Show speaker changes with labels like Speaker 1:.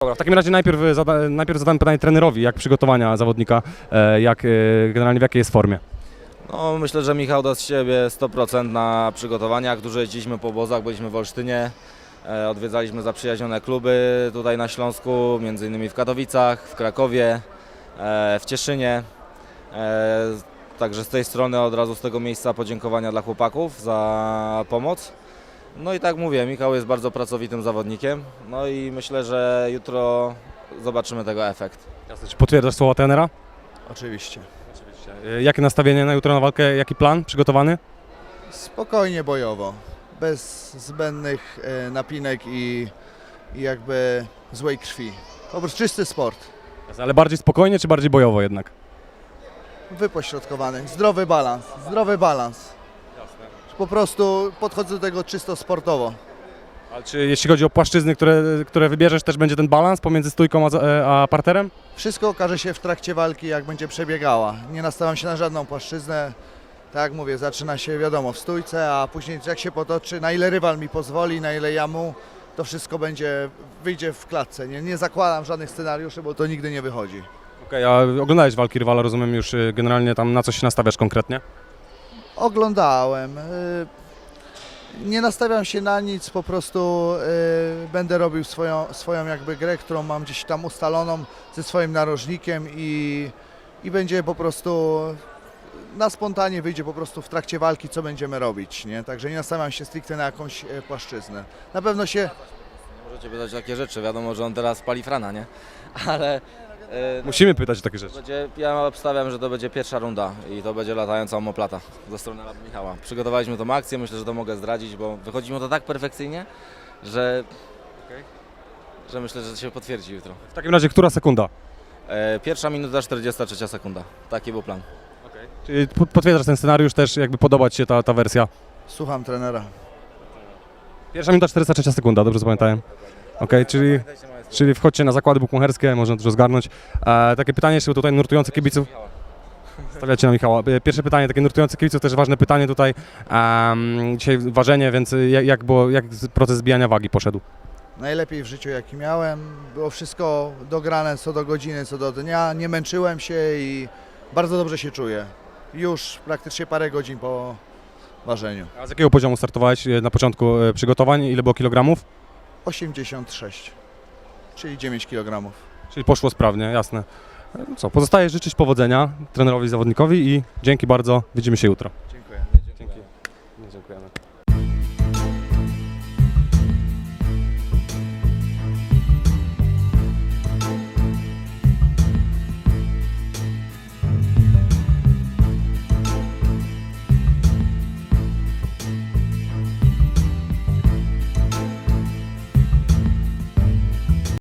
Speaker 1: Dobra, w takim razie najpierw zadam pytanie trenerowi, jak przygotowania zawodnika, generalnie w jakiej jest formie.
Speaker 2: No, myślę, że Michał da z siebie 100% na przygotowaniach. Dużo jeździliśmy po obozach, byliśmy w Olsztynie, odwiedzaliśmy zaprzyjaźnione kluby tutaj na Śląsku, między innymi w Katowicach, w Krakowie, w Cieszynie. Także z tej strony od razu z tego miejsca podziękowania dla chłopaków za pomoc. No i tak mówię, Michał jest bardzo pracowitym zawodnikiem, no i myślę, że jutro zobaczymy tego efekt.
Speaker 1: Jasne, czy potwierdzasz słowa trenera?
Speaker 3: Oczywiście.
Speaker 1: Jakie nastawienie na jutro na walkę, jaki plan przygotowany?
Speaker 3: Spokojnie bojowo, bez zbędnych napinek i jakby złej krwi. Po prostu czysty sport,
Speaker 1: Ale bardziej spokojnie, czy bardziej bojowo jednak?
Speaker 3: wypośrodkowany, zdrowy balans, Po prostu podchodzę do tego czysto sportowo.
Speaker 1: Ale czy jeśli chodzi o płaszczyzny, które wybierzesz, też będzie ten balans pomiędzy stójką a parterem?
Speaker 3: Wszystko okaże się w trakcie walki, jak będzie przebiegała. Nie nastawiam się na żadną płaszczyznę. Tak jak mówię, zaczyna się wiadomo w stójce, a później jak się potoczy, na ile rywal mi pozwoli, na ile ja mu, to wszystko wyjdzie w klatce. Nie zakładam żadnych scenariuszy, bo to nigdy nie wychodzi.
Speaker 1: Okej, a oglądałeś walki rywala, rozumiem już generalnie tam na co się nastawiasz konkretnie?
Speaker 3: Oglądałem. Nie nastawiam się na nic, po prostu będę robił swoją jakby grę, którą mam gdzieś tam ustaloną ze swoim narożnikiem i będzie po prostu na spontanie wyjdzie po prostu w trakcie walki, co będziemy robić, nie? Także nie nastawiam się stricte na jakąś płaszczyznę. Na pewno się...
Speaker 2: Możecie pytać takie rzeczy, wiadomo, że on teraz pali frana, nie? Ale...
Speaker 1: Musimy pytać o takie rzeczy.
Speaker 2: Ja obstawiam, że to będzie pierwsza runda i to będzie latająca omoplata ze strony Michała. Przygotowaliśmy tą akcję, myślę, że to mogę zdradzić, bo wychodzi mu to tak perfekcyjnie, że myślę, że to się potwierdzi jutro.
Speaker 1: W takim razie, która sekunda?
Speaker 2: Pierwsza minuta, 43 sekunda. Taki był plan.
Speaker 1: Czyli potwierdzasz ten scenariusz, też jakby podoba Ci się ta wersja?
Speaker 3: Słucham trenera.
Speaker 1: Pierwsza minuta, 43 sekunda, dobrze zapamiętałem? Okej, czyli wchodźcie na zakłady bukmacherskie, można dużo zgarnąć. Takie pytanie jeszcze tutaj nurtujące kibiców. Stawiacie na Michała. Pierwsze pytanie, takie nurtujące kibiców, też ważne pytanie tutaj. Dzisiaj ważenie, więc jak proces zbijania wagi poszedł?
Speaker 3: Najlepiej w życiu jaki miałem. Było wszystko dograne co do godziny, co do dnia. Nie męczyłem się i bardzo dobrze się czuję. Już praktycznie parę godzin po ważeniu.
Speaker 1: A z jakiego poziomu startowałeś na początku przygotowań? Ile było kilogramów?
Speaker 3: 86, czyli 9 kg.
Speaker 1: Czyli poszło sprawnie, jasne. No co, pozostaje życzyć powodzenia trenerowi i zawodnikowi i dzięki bardzo, widzimy się jutro.
Speaker 3: Dziękuję.
Speaker 1: Dziękujemy.